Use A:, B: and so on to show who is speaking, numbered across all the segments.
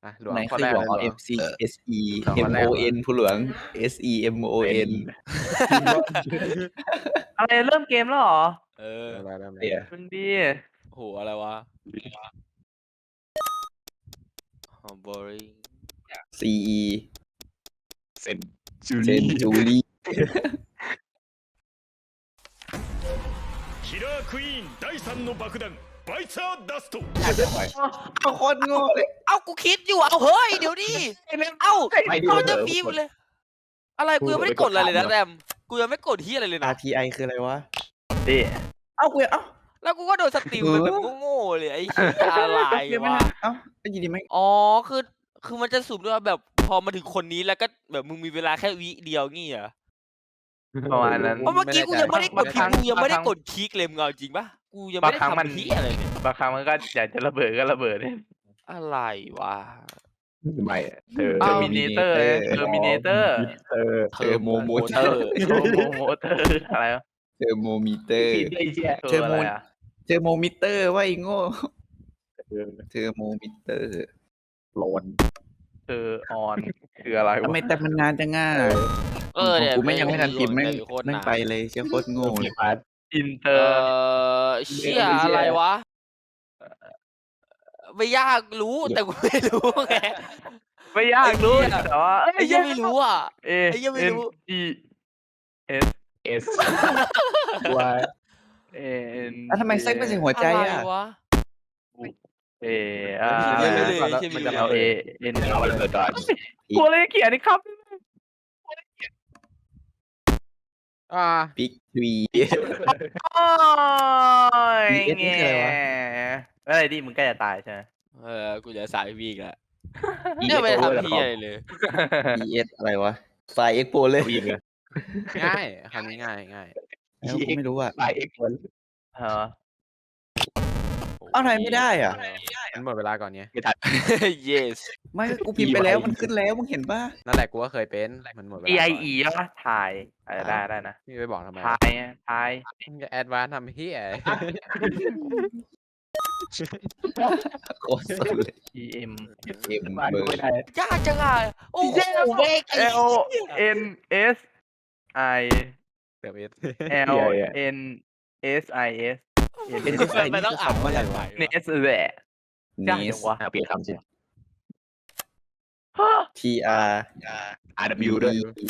A: หลวง
B: ไหน
A: ข้อ
B: คือ
A: แรก
B: หลวง
A: เลยหลวง
B: MC SE
A: ข้อแรก
B: MON ผู้หลวง SE MON
C: อะไรเริ่มเกมแล้วเหรอ
A: เริ่มแล้ว
B: เนี่ย
C: มึงดี
A: โหอะไรวะboring
B: CE
D: เซนจู
B: เซ
D: รี่
B: นจูรี่
E: キラークイーン第3の爆弾バイツァーダスト
B: เอาโคตรโง่เลย
F: เอ้ากูคิดอยู่เอาเฮ้ยเดี๋ยวดิเอ้า
D: ไม่ดู
F: เอาจะ
D: เลย
F: ฟีมเลย อะไรกูยังไม่ได้กดอะไรเลยนะแรมกูยังไม่กดที่อะไรเลยนะ
B: RTI คืออะไรวะ
C: ดิ
B: เอ้ากูเอ้า
F: แล้วกูก็โดนสติลไปแบบโง่ๆเลยไอ้เหี้ยอะไร
B: เดี๋ยวไม่
F: วะ
B: ทันเอ้าไอ้ยีดีไหม
F: อ๋อคือมันจะสุ่มด้วยว่าแบบพอมาถึงคนนี้แล้วก็แบบมึงมีเวลาแค่วิเดียวงี้เหรอ
C: ประมาณนั้น
F: เพราะเมื่อกี้กูยังไม่ได้กด
C: บางครั้ง
F: กูยังไม่ได้กดคลิกเลยมึงเอาจริงปะกูยังไม่ได้
C: บางครั้งมัน
F: ทำที่อะไรเนี่ย
C: บางครั้งมันก็อยากจะระเบิดก็ระเบิดเนี่ย
F: อะไรวะ
D: ไม่เธอ
F: เอ้า
C: มิเนเตอร์เทอร์มิเนเตอร์
B: เทอร์โมโมเตอร์
C: โมเตอร์อะไรวะ
B: เทอร์โมมิเตอร์
D: ไอ้เหี้ย
C: ตัวอะไรอ่ะ
B: เทอร์โมมิเตอร์ว่าไอ้โง่เทอร์โมมิเตอร์
D: โหลน
C: เธอออนคืออะไร
B: ทำ
C: วะ
B: ไมแต่มันนานจังง่า
F: เนี่ย
B: กูไม่ยังไม่ทันพิมพ์แม่ง
F: โคตร
B: แม่ง
F: นาน
B: ไปเลยเชี่ยโคตรโง่เลย
C: อินเตอ
F: เอ
C: ร์
F: เชี่ยอะไรวะไม่ยากรู้แต่กูไม่รู้ไง
C: ไม่ยากรู้แต่ว่า
F: ไอ้ยังไม่รู้อ่ะ
C: เอ
F: ไอ้ยังไม่รู้
C: N E S
D: เอสวาย
C: A N
B: แล้วทำไมเซ็กไม่ใส่หัวใจ
F: อะไร
B: อ่ะ
F: วะ
C: A
F: ไม่รู้เลย
C: มันจะเอา A N
D: เอาเลยก่อน
C: กูเลยเขียนนี่ครับ
B: บิ๊กทวี
C: โอ้ย
B: BS นี่คืออะไรวะ
C: อะไรดิมึงใกล้จะตายใช่ไหม
F: กูจะสายวีกแล้วเนี่ยไม่ได้ทำที่อะไรเลย
B: BS อะไรวะไฟล์เอ็กโปเลย
D: ยิงเลย
A: ง่ายคำนี้ง่าย
B: แล้วกูไม่รู้อ่ะ
D: ไปเอ็กซ์คน
C: เหรอ
B: เอาไหนไม่ได้อ่ะ
A: มันหมดเวลาก่อนไง
D: ไม่ทัน
F: yes
B: ไม่กูพิมพ์ไปแล้วมันขึ้นแล้วมึงเห็นป่ะ
A: นั่นแหละกูก็เคยเป็นมันหมดเวลา
C: E
A: ก่
C: I
A: อน
C: E ป่ะถ่ายได้นะ
A: นี่ไปบอกทำไม
C: ถ่ายไงถ่าย
A: มึงจะแอดวานซ์ทำเฮีย
B: โคตรสุดเลย
C: E M
B: M
D: มา
B: เบ
D: ดู
B: อร์
D: ไม่ได้
F: ยากจังอ่ะโอ้โหเวกไอ้
C: L N S I
A: เติมเอส
C: L N S I S
B: เป็นที่ไฟ
F: มัน
B: นี่
F: ต้อ
B: คื
F: ง
B: อ
F: อ่าน
B: คำว่าอะไรวะ
C: เนสแหละ ยากจั
B: Nest
C: งวะ
D: เปลี่ยนคำสิ
B: T R
D: RW ด้วย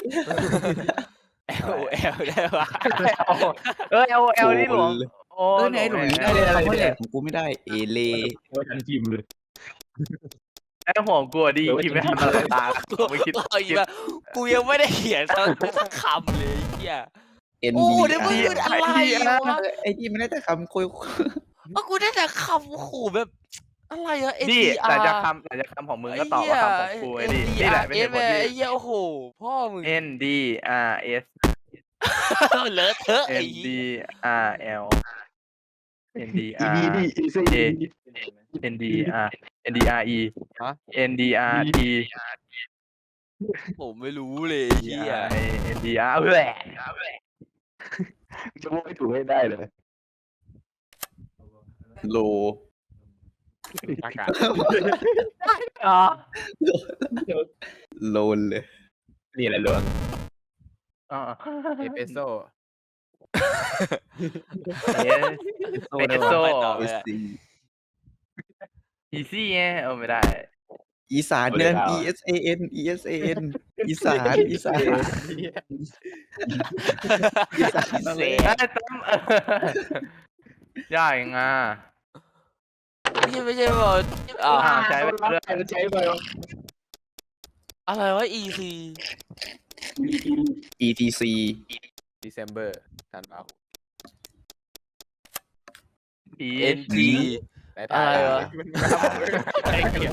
F: L L ได้ปะ
C: L นี่หลวงโอ้
B: ไหนหลวงนี่ได้เลยคำว่าแหลกของกูไม่ได้เอเล
D: ว่าทันทีมเลย
C: ไอ้หัวกูดิคิดไม่ทันอะไรตาไม่คิด
F: เอาอีกว่ากูยังไม่ได้เขียนสักคำเลยเฮีย
B: N
F: โอ้
B: B
F: เดี๋ยวมึงอะไรวะ
B: ไอ้ที่ไม่ได้แต่คำคุย
F: กูได้แต่คำขู่แบบอะไรอะ N
C: นี่
F: D
C: หลัง
F: R
C: จากคำของมึงก็ตอบว่าคำของกูไอ้ดินี่แหละไม่ใช่คนที่
F: ไอ้เหี้ยโอ้โหพ่อมึง
C: N D R S
F: เลอะเทอะไอ้
C: N
F: เหี้
C: D
F: ย
C: R L N D
D: อี
C: R
D: ดีดีอีซี
C: A N D R N D R E N D R T
F: ผมไม่รู้เลยไอ้เหี้ย
C: N D R แหละ
D: จะพูดไม่ถูกให้ได้เลย
B: โล
A: อากาศ
C: อ๋อ
B: โลนเลย
D: นี่แหละหลวง
C: อ๋อ
A: เอสเปรสโซ่
C: เอสโซ
F: ไปต่อเลยอะ
B: SC
C: อีซี่ไงไม่ได้
B: อีสานเนี่ย ESAN ESAN อีสานอีสานอีสานนั่น
F: เส
B: เลย
C: ไอ้ตั้มยากยังอ่ะ
F: ไม่ใช่บอกอ่า
C: ใช้ไปเรื่อย
D: ใช้ไป
F: อะไรวะ E C
B: ETC
A: December ธันวาคม
C: E
F: N G
A: ได้ถ่าย
F: อะไรวะ
A: ไอ้เหี้ย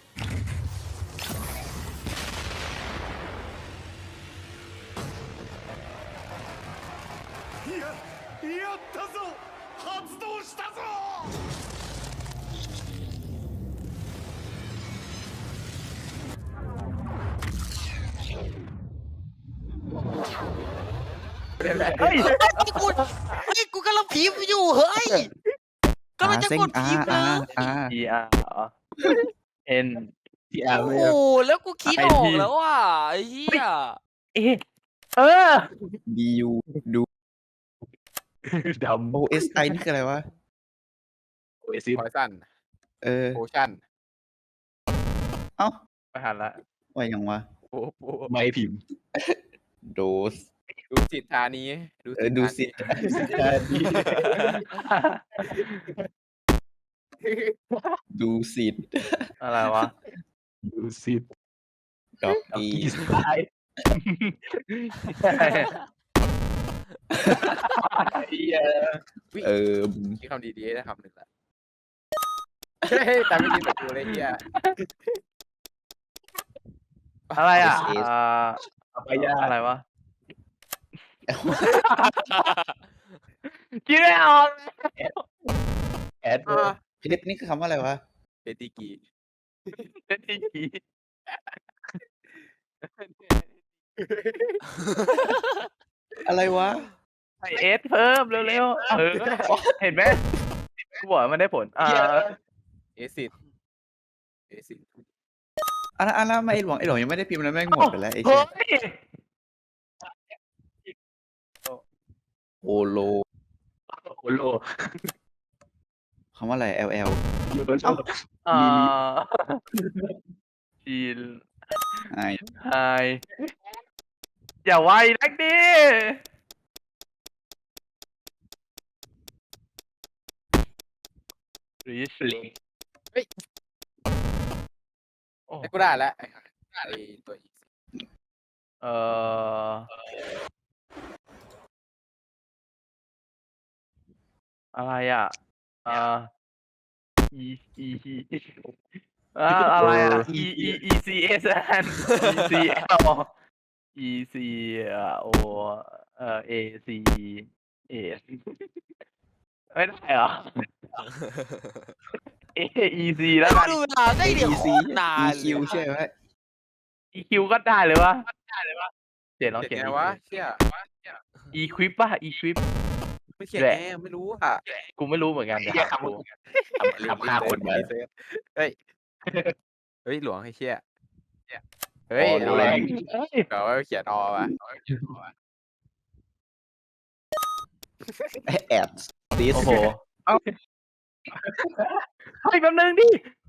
E: やったぞ発動したぞ
C: เฮ้ย
F: กูกำลังพิมพ์อยู่เฮ้ยกำลังจะกดพิมพ์นะ
C: E R N
D: ที่อาร์
F: โอ้
D: ไม่
F: โหแล้วกูคิดออกแล้วอ่ะไอ้เหี้ย
C: เอะเออ
B: DU ดู
D: ดำ
B: OSI นี่คืออะไรวะ
D: โอเอซิส
A: พอยซัน
B: เออ
A: โพชั่น
B: เอ้า
C: ไปหันละ
B: ว่ายังวะ
A: โอ้โห
D: ไม่พิมพ์
B: โดส
A: ดูสิทธานี
B: ดูสิ ดูสิทธิ์
C: อะไรวะ
D: ดูซิด
B: ดอก
D: อี
B: อี
D: สไตล์
B: เออ
A: มีคำดีๆได้คำหนึ่งละเฮ้ยแต่ไม่ยินแต่กูเลยเฮีย
C: อะไรอ่ะ
B: SS
D: ไปยา
C: อะไรวะคิดไม่ออก
D: แอด
B: เพชรนี่คือคำว่าอะไรวะ
A: เปติกี
C: เป็นที่กี่
B: อะไรวะ
C: ใส่เอสเพิ่มเร็วๆเห็นไหมกูบอกว่ามันได้ผล
A: เอซิดเอซิด
B: อันนั้นไอ้หลวงยังไม่ได้พิมพ์แล้วแม่งหมดไปแล้วไอ้
C: เฮ้
B: เชี่ย
C: ย
B: โอโล
D: โอโล
B: คำว่าอะไร LL
D: ยูโร
C: จีน
B: ไอ
C: ไฮอย่าไวนักดิริช
A: ไอ้กูได้แล้วไอ้ตัวอีก
C: เอ่ออะไรอ่ะe eอะไรอ่ะ e c s n e c l e c o a c a ไม่ได้เหรอ a e c แล้วกัน
F: ดูเวลาได้เดี๋ยวโคตรนาน
B: EQ ใช่ไหม
C: e q ก็ได้เลยวะเดี๋ยวลอง
A: เขี
C: เขี
A: ย
C: ย
A: น
C: น
A: ไงวะเชี่ย
C: equip ป่ะ equip
A: ไม่เขียนแน่ไม่รู้อ่ะ
C: กูไม่รู้เหมือนกัน
D: เฮียคำฆ่าคนมา
A: เฮ้ยเฮ้ยหลวงไอ้เชี่ยเฮ้ย
D: อ๋อ
A: เอา
D: แร
A: แรง
D: ง
A: เดี๋ยวเขียนอว่ะ
B: แอดดิส
C: โอ้โหเฮ้ยแป๊บนึงดิ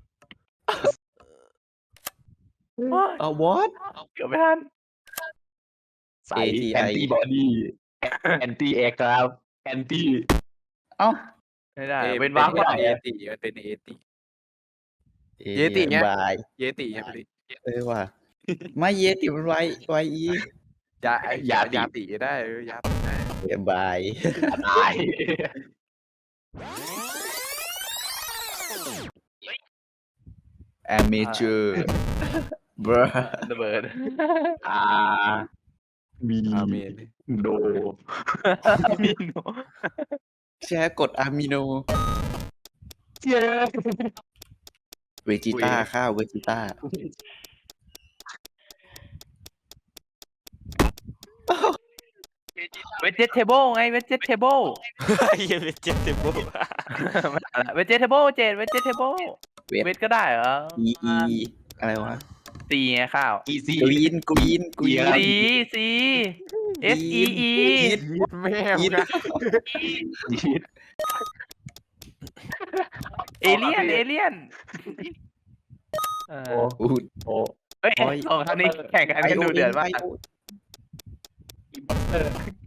B: วอท
C: เกือบไม่ทัน
D: ใส่แอนตี้บอดี้แอนตี้แอร์กราฟแอนตี้
B: เอ้า
C: ไม่ได้เป็นวาร์ป
A: ไม่
C: ก่อ
A: ได้
C: น
A: เอติมันเป็นเอติ เยติไง
B: บาย
A: เยติยังไม่
B: ว่ะไม่เยติมันไวอี
A: ยาติได้ยาติได้
B: บาย
D: ตาย
B: amateur บร
C: ระเบิด
D: มี
A: อาเมน
D: โด
C: มีโน
B: แชร์กดอะมิโน
D: เย้
B: เวจิต้าข้าวเวจิต้า
C: เวจเทเบิลไงเวจเทเบิล
F: เหี้ยเป็นเจ็ดเต็มโบ
C: เวจเทเบิลเวจเทเบิลเวจก็ได้เหรอ
B: e อะไรวะ
C: ซีไงข้าว
D: อีซี่
B: กรีน
C: C S E E
A: แม่
B: ยีด
C: เอเลียน
D: โอ้
B: อูด
D: โอ้
C: เฮ้ยสองท่านนี้แข่งกันดูเดือดมาก
B: ไ